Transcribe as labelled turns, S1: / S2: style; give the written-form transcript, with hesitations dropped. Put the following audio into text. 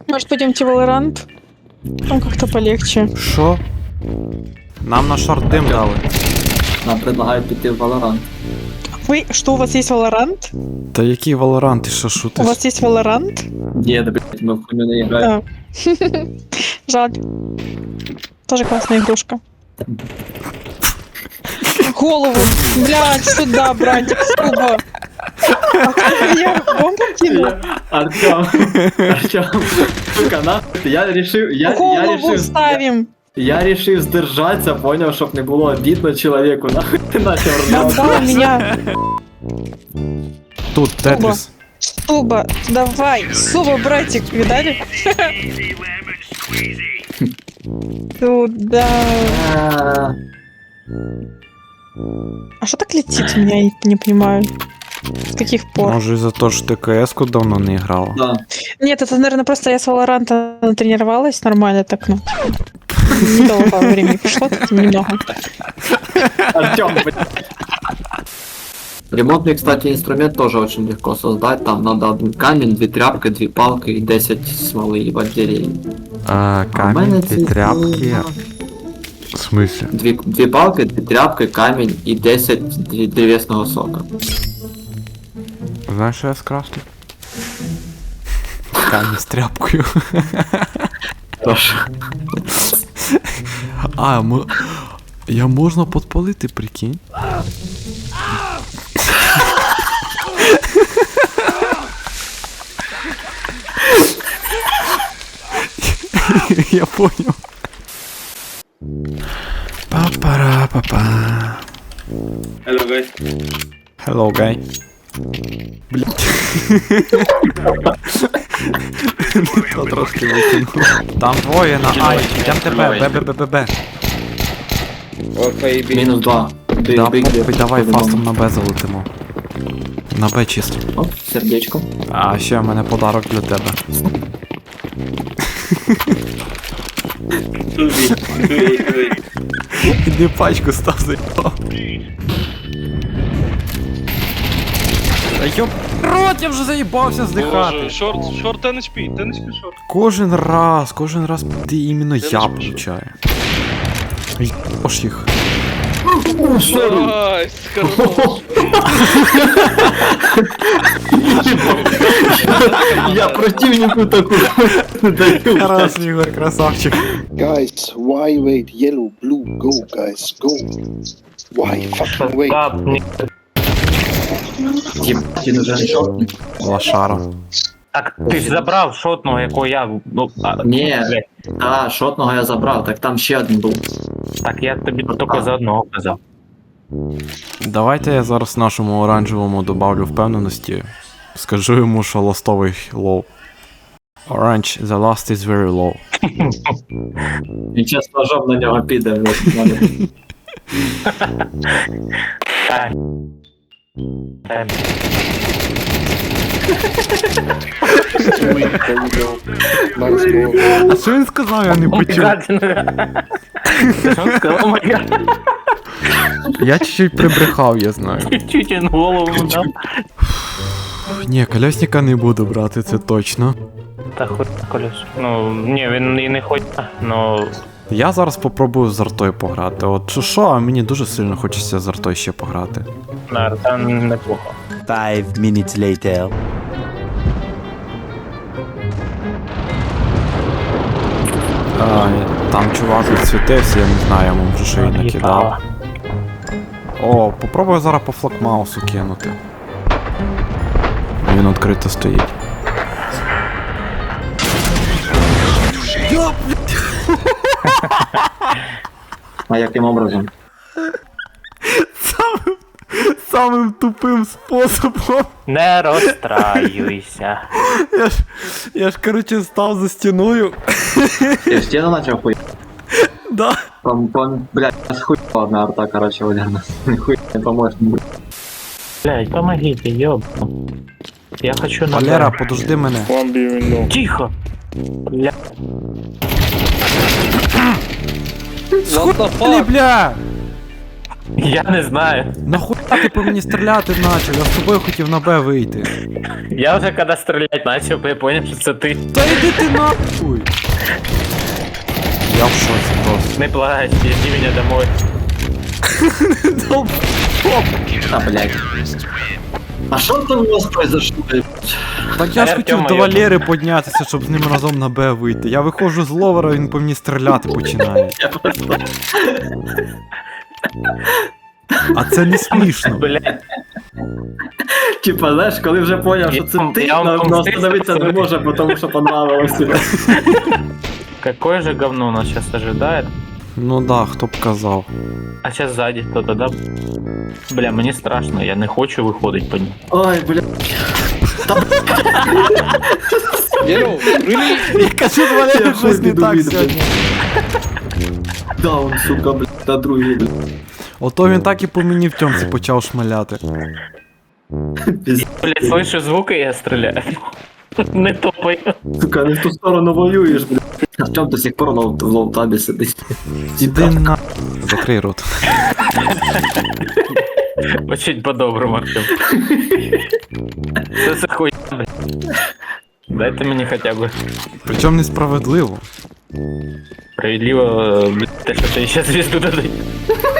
S1: Может, пойдемте в Valorant? Там как-то полегче.
S2: Що? Нам на шорт дим дали.
S3: Нам предлагають піти в Valorant.
S1: Что, у вас есть Valorant?
S2: Та який Valorant, ти що
S1: У
S2: шутиш?
S1: вас есть Valorant?
S3: Ні, да, блядь, ми в хуйню не граємо.
S1: Да. Жаль. Тоже классная игрушка. Голову. Блядь, сюда, братик, сука. Я бомбу кинул.
S3: Артем, сука, нахуй,
S1: Голову ставим.
S3: я решив сдержаться, понял, чтоб не было обидно человеку, нахуй ты начал ржать.
S1: Отдал меня.
S2: Тут Тетріс.
S1: Суба, давай. Суба, братик, видали? Туда. А что так летит у меня, я не понимаю. С каких пор?
S2: Може із-за того, що ти КС-ку давно не грала.
S3: Да.
S1: Нет, это, наверное, просто я с Valorant натренировалась нормально, так, ну. Недолго времени прошло, так немного.
S3: Артем, блядь. Ремонтный, кстати, инструмент тоже очень легко создать. Там надо один камень, 2 тряпки, 2 палки и 10 смолы и батареи.
S2: Камінь, дві тряпки. В смысле?
S3: 2 палки, 2 тряпки, камень и 10 древесного сока.
S2: Знаєш, що я скрафтив? Камінь з тряпкою.
S3: Хорошо.
S2: Я можна підпалити, прикинь? Я понял. Па-пара-па-па.
S4: Hello guys.
S2: Hello, guy. Блять. То трошки викинув. Там двоє на Ай. Йдем тебе, Б.
S4: Okay,
S3: Минус 2.
S2: Да, похуй, давай фастом на Б залетимо. На Б чисто.
S3: Оп, сердечко.
S2: А ще в мене подарок для тебе. Іди пачку став заїбав. Та йоп, рот, я вже заїбався здихати.
S4: Шорт 10 HP, 10 HP шорт.
S2: Кожен раз ти іменно я получаю. Єбаш їх.
S4: Найс, хорош.
S3: Я противнику такую даю.
S2: Раз, Ігор, красавчик.
S5: Guys, why wait? Yellow, blue, go, guys, go. Why fucking wait?
S3: Ебать, он уже не шотный.
S2: Лошара.
S6: Так ти ж забрав шотного, якого я. Ну,
S3: Ні,
S6: блядь.
S3: та, шотного я забрав, так там ще один був.
S6: Так я тобі тільки за одного казав.
S2: Давайте я зараз нашому оранжевому добавлю впевненості. Скажу йому, що ластовий лоу. Orange, the last is very low.
S3: І час ножом на нього піде.
S5: There we go. Nice go.
S2: А що він сказав, я не почув?
S6: Що він сказав, моя?
S2: Я чуть-чуть прибрехав, я знаю.
S6: Чуть він голову дав.
S2: Ні, колесника не буду брати, це точно.
S6: Та хуй колес. Ну, ні, він і не хоче, но...
S2: Я зараз попробую з артою пограти. От що, а мені дуже сильно хочеться з артою ще пограти.
S6: На там неплохо.
S7: 5 minutes later.
S2: Там чувак відсвітився, я не знаю, я йому вже шиї накидав. О, попробую зараз по флакмаусу кинути. Він відкрито стоїть.
S3: А яким образом?
S2: Самим тупим способом.
S6: Не розстраюйся.
S2: Я ж короче став за стіною.
S3: Я в стену начал хуй.
S2: Да.
S3: Блядь, аж хуй одна арта, короче, Валерна. Хуй не поможет.
S6: Блядь, помогите, ёб. Я хочу на...
S2: Валера, подожди мене.
S5: One B window.
S6: Тихо! Бля...
S4: What the
S2: Блі,
S4: fuck?
S2: бля!
S6: Я не знаю.
S2: Нахуя ти по мені стріляти почав? Я з тобою хотів на Б вийти.
S6: Я вже коли стріляти почав, я зрозумів, що це ти.
S2: Та йди ти нахуй! Я в шоці просто.
S6: Не плачь, иди меня домой.
S3: А, блядь. А що там у вас произошло?
S2: Так я ж хотів
S6: Артема
S2: до
S6: його.
S2: Валери піднятися, щоб з ним разом на Б вийти. Я виходжу з ловера, він по мені стріляти починає.
S3: Я просто...
S2: А це не смішно.
S6: Блядь.
S3: Типа, знаєш, коли вже поняв, що це ти,
S6: Я вам
S3: но
S6: помстився,
S3: остановитися не
S6: пацани.
S3: може, тому що понравилося.
S6: Какое же говно нас сейчас ожидает?
S2: Ну да, хто б казав.
S6: А сейчас сзади кто-то, да? Бля, мені страшно, я не хочу виходить по ним.
S3: Ой, бля.
S5: Yellow, really?
S2: Я кажу, Валері,
S3: Я
S2: щось не
S3: хуй
S2: так
S3: піду,
S2: сьогодні.
S3: Даун, сука, бля, та другий, бля.
S2: Ото він так і по мені в тьомці почав шмаляти.
S3: Пізд-
S6: Блядь, слышу звуки, я стреляю. Не топай.
S3: Сука, не в ту сторону воюєш, бля. Артем до сих пор в лоутабі сидить.
S2: Іди на... Закрий рот.
S6: Очень по-доброму, Артем. Что за хуйня, блядь? Дайте мені хоча б
S2: Причому несправедливо.
S6: справедливо, блядь, те, що ти ще звізду дадуть.